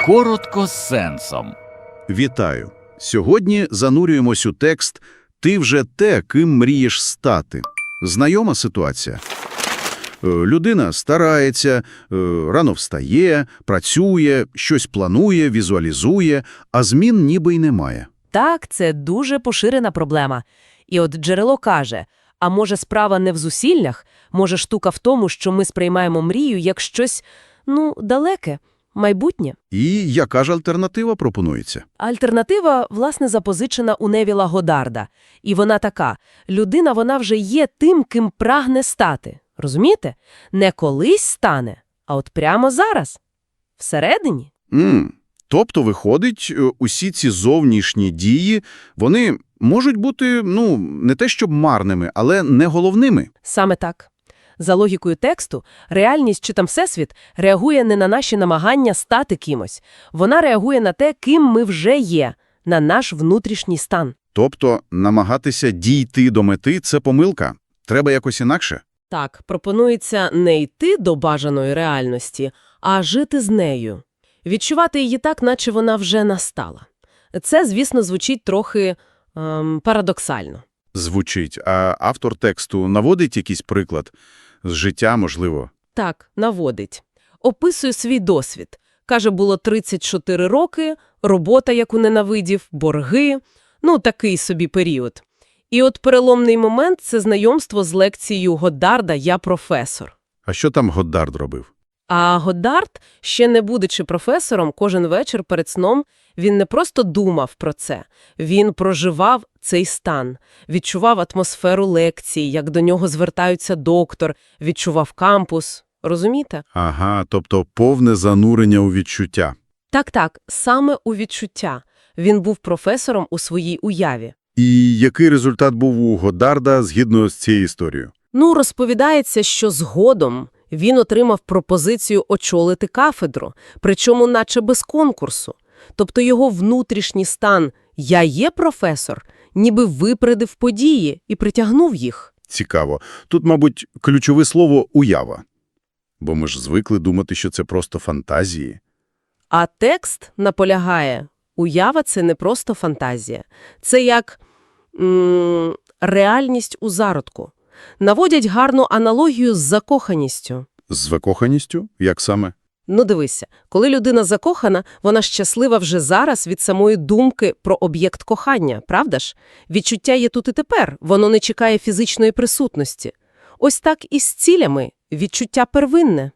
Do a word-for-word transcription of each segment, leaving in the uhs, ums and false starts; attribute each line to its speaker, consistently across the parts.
Speaker 1: Коротко з сенсом.
Speaker 2: Вітаю! Сьогодні занурюємось у текст «Ти вже те, ким мрієш стати». Знайома ситуація? Е, Людина старається, е, рано встає, працює, щось планує, візуалізує, а змін ніби й немає.
Speaker 3: Так, це дуже поширена проблема. І от джерело каже, а може справа не в зусиллях, може штука в тому, що ми сприймаємо мрію як щось, ну, далеке, майбутнє.
Speaker 2: І яка ж альтернатива пропонується?
Speaker 3: Альтернатива, власне, запозичена у Невіла Годдарда. І вона така: людина, вона вже є тим, ким прагне стати. Розумієте? Не колись стане, а от прямо зараз. Всередині.
Speaker 2: М, Тобто, виходить, е, усі ці зовнішні дії, вони можуть бути, ну, не те щоб марними, але не головними.
Speaker 3: Саме так. За логікою тексту, реальність чи там всесвіт реагує не на наші намагання стати кимось. Вона реагує на те, ким ми вже є, на наш внутрішній стан.
Speaker 2: Тобто, намагатися дійти до мети – це помилка. Треба якось інакше.
Speaker 3: Так, пропонується не йти до бажаної реальності, а жити з нею. Відчувати її так, наче вона вже настала. Це, звісно, звучить трохи ем, парадоксально.
Speaker 2: Звучить. А автор тексту наводить якийсь приклад з життя, можливо?
Speaker 3: Так, наводить. Описує свій досвід. Каже, було тридцять чотири роки, робота, яку ненавидів, борги, ну, такий собі період. І от переломний момент – це знайомство з лекцією Годдарда «Я професор».
Speaker 2: А що там Годдард робив?
Speaker 3: А Годдард, ще не будучи професором, кожен вечір перед сном він не просто думав про це. Він проживав цей стан, відчував атмосферу лекції, як до нього звертаються доктор, відчував кампус. Розумієте?
Speaker 2: Ага, тобто повне занурення у відчуття.
Speaker 3: Так-так, саме у відчуття. Він був професором у своїй уяві.
Speaker 2: І який результат був у Годдарда згідно з цією історією?
Speaker 3: Ну, розповідається, що згодом він отримав пропозицію очолити кафедру, причому наче без конкурсу. Тобто його внутрішній стан «я є професор» ніби випередив події і притягнув їх.
Speaker 2: Цікаво. Тут, мабуть, ключове слово «уява». Бо ми ж звикли думати, що це просто фантазії.
Speaker 3: А текст наполягає, уява – це не просто фантазія. Це як м- реальність у зародку. Наводять гарну аналогію з закоханістю.
Speaker 2: З закоханістю? Як саме?
Speaker 3: Ну дивися, коли людина закохана, вона щаслива вже зараз від самої думки про об'єкт кохання, правда ж? Відчуття є тут і тепер, воно не чекає фізичної присутності. Ось так і з цілями, відчуття первинне.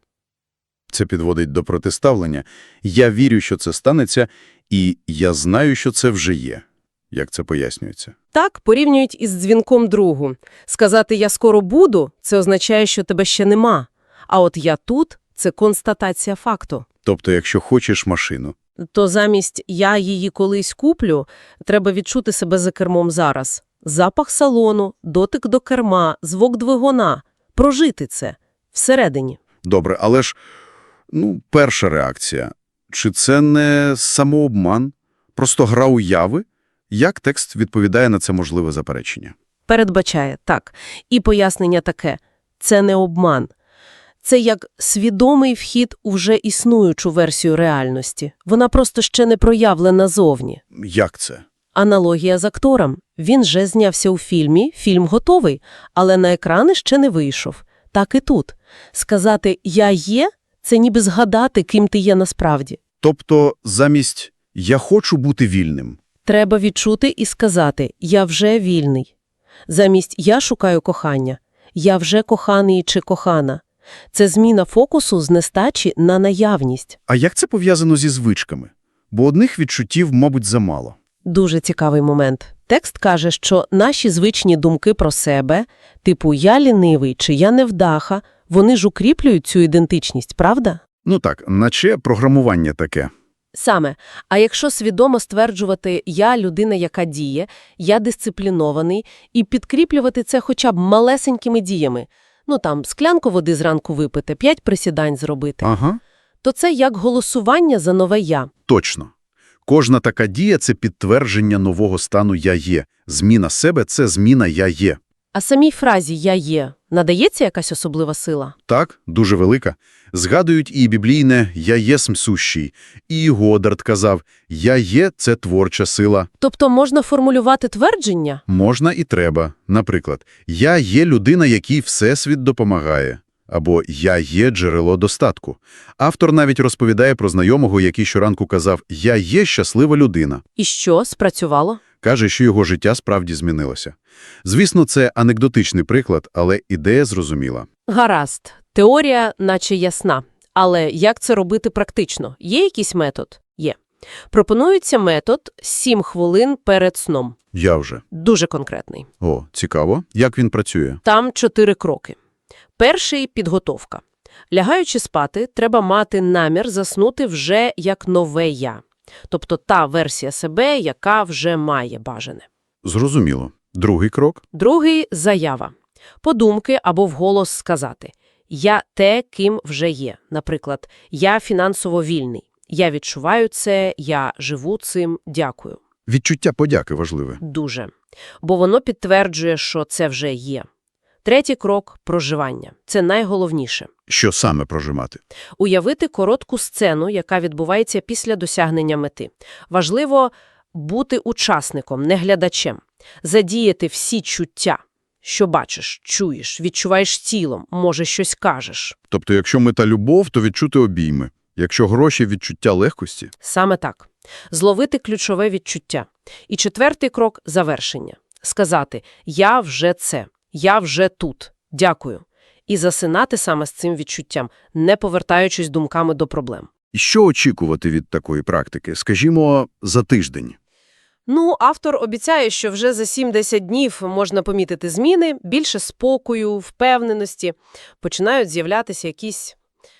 Speaker 2: Це підводить до протиставлення. Я вірю, що це станеться, і я знаю, що це вже є. Як це пояснюється?
Speaker 3: Так порівнюють із дзвінком другу. Сказати «я скоро буду» – це означає, що тебе ще нема. А от «я тут» – це констатація факту.
Speaker 2: Тобто, якщо хочеш машину.
Speaker 3: То замість «я її колись куплю» треба відчути себе за кермом зараз. Запах салону, дотик до керма, звук двигуна. Прожити це. Всередині.
Speaker 2: Добре, але ж, ну, перша реакція. Чи це не самообман? Просто гра уяви? Як текст відповідає на це можливе заперечення?
Speaker 3: Передбачає, так. І пояснення таке. Це не обман. Це як свідомий вхід у вже існуючу версію реальності. Вона просто ще не проявлена зовні.
Speaker 2: Як це?
Speaker 3: Аналогія з актором. Він вже знявся у фільмі, фільм готовий, але на екрани ще не вийшов. Так і тут. Сказати «я є» – це ніби згадати, ким ти є насправді.
Speaker 2: Тобто замість «я хочу бути вільним».
Speaker 3: Треба відчути і сказати «я вже вільний». Замість «я шукаю кохання», «я вже коханий чи кохана». Це зміна фокусу з нестачі на наявність.
Speaker 2: А як це пов'язано зі звичками? Бо одних відчуттів, мабуть, замало.
Speaker 3: Дуже цікавий момент. Текст каже, що наші звичні думки про себе, типу «я лінивий» чи «я невдаха», вони ж укріплюють цю ідентичність, правда?
Speaker 2: Ну так, наче програмування таке.
Speaker 3: Саме. А якщо свідомо стверджувати «я людина, яка діє», «я дисциплінований» і підкріплювати це хоча б малесенькими діями, ну там склянку води зранку випити, п'ять присідань зробити,
Speaker 2: Ага.
Speaker 3: то це як голосування за нове «я».
Speaker 2: Точно. Кожна така дія – це підтвердження нового стану «я є». Зміна себе – це зміна «я є».
Speaker 3: А самій фразі «я є» Надається якась особлива сила?
Speaker 2: Так, дуже велика. Згадують і біблійне «Я єсмь сущий», і Годдард казав «Я є – це творча сила».
Speaker 3: Тобто можна формулювати твердження?
Speaker 2: Можна і треба. Наприклад, «Я є людина, якій Всесвіт допомагає». Або «Я є джерело достатку». Автор навіть розповідає про знайомого, який щоранку казав «Я є щаслива людина».
Speaker 3: І що, спрацювало?
Speaker 2: Каже, що його життя справді змінилося. Звісно, це анекдотичний приклад, але ідея зрозуміла.
Speaker 3: Гаразд. Теорія наче ясна. Але як це робити практично? Є якийсь метод? Є. Пропонується метод сім хвилин перед сном.
Speaker 2: Я вже.
Speaker 3: Дуже конкретний.
Speaker 2: О, цікаво. Як він працює?
Speaker 3: Там чотири кроки. Перший – підготовка. Лягаючи спати, треба мати намір заснути вже як нове «я». Тобто та версія себе, яка вже має бажане.
Speaker 2: Зрозуміло. Другий крок?
Speaker 3: Другий – заява. Подумки або вголос сказати «Я те, ким вже є». Наприклад, «Я фінансово вільний». «Я відчуваю це», «Я живу цим», «Дякую».
Speaker 2: Відчуття подяки важливе.
Speaker 3: Дуже. Бо воно підтверджує, що це вже є. Третій крок – проживання. Це найголовніше.
Speaker 2: Що саме прожимати?
Speaker 3: Уявити коротку сцену, яка відбувається після досягнення мети. Важливо бути учасником, не глядачем. Задіяти всі чуття, що бачиш, чуєш, відчуваєш тілом, може щось кажеш.
Speaker 2: Тобто, якщо мета любов, то відчути обійми. Якщо гроші – відчуття легкості?
Speaker 3: Саме так. Зловити ключове відчуття. І четвертий крок – завершення. Сказати «Я вже це», «Я вже тут», «Дякую». І засинати саме з цим відчуттям, не повертаючись думками до проблем.
Speaker 2: І що очікувати від такої практики? Скажімо, за тиждень.
Speaker 3: Ну, автор обіцяє, що вже за сім-десять днів можна помітити зміни, більше спокою, впевненості. Починають з'являтися якісь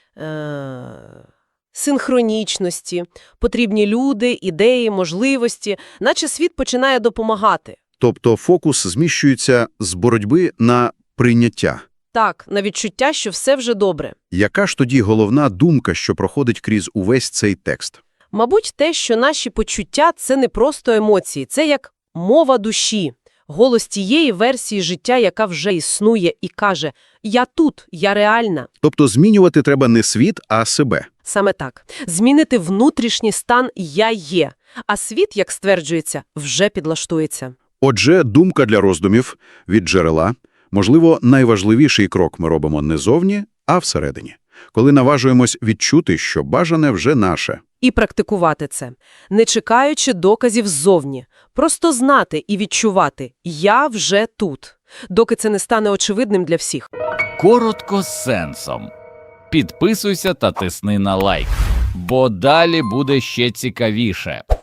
Speaker 3: е- синхронічності, потрібні люди, ідеї, можливості, наче світ починає допомагати.
Speaker 2: Тобто фокус зміщується з боротьби на прийняття.
Speaker 3: Так, на відчуття, що все вже добре.
Speaker 2: Яка ж тоді головна думка, що проходить крізь увесь цей текст?
Speaker 3: Мабуть, те, що наші почуття – це не просто емоції, це як мова душі, голос тієї версії життя, яка вже існує і каже «Я тут, я реальна».
Speaker 2: Тобто змінювати треба не світ, а себе.
Speaker 3: Саме так. Змінити внутрішній стан «я є», а світ, як стверджується, вже підлаштується.
Speaker 2: Отже, думка для роздумів від джерела. Можливо, найважливіший крок ми робимо не зовні, а всередині. Коли наважуємось відчути, що бажане вже наше.
Speaker 3: І практикувати це, не чекаючи доказів ззовні. Просто знати і відчувати «я вже тут», доки це не стане очевидним для всіх.
Speaker 1: Коротко з сенсом. Підписуйся та тисни на лайк, бо далі буде ще цікавіше.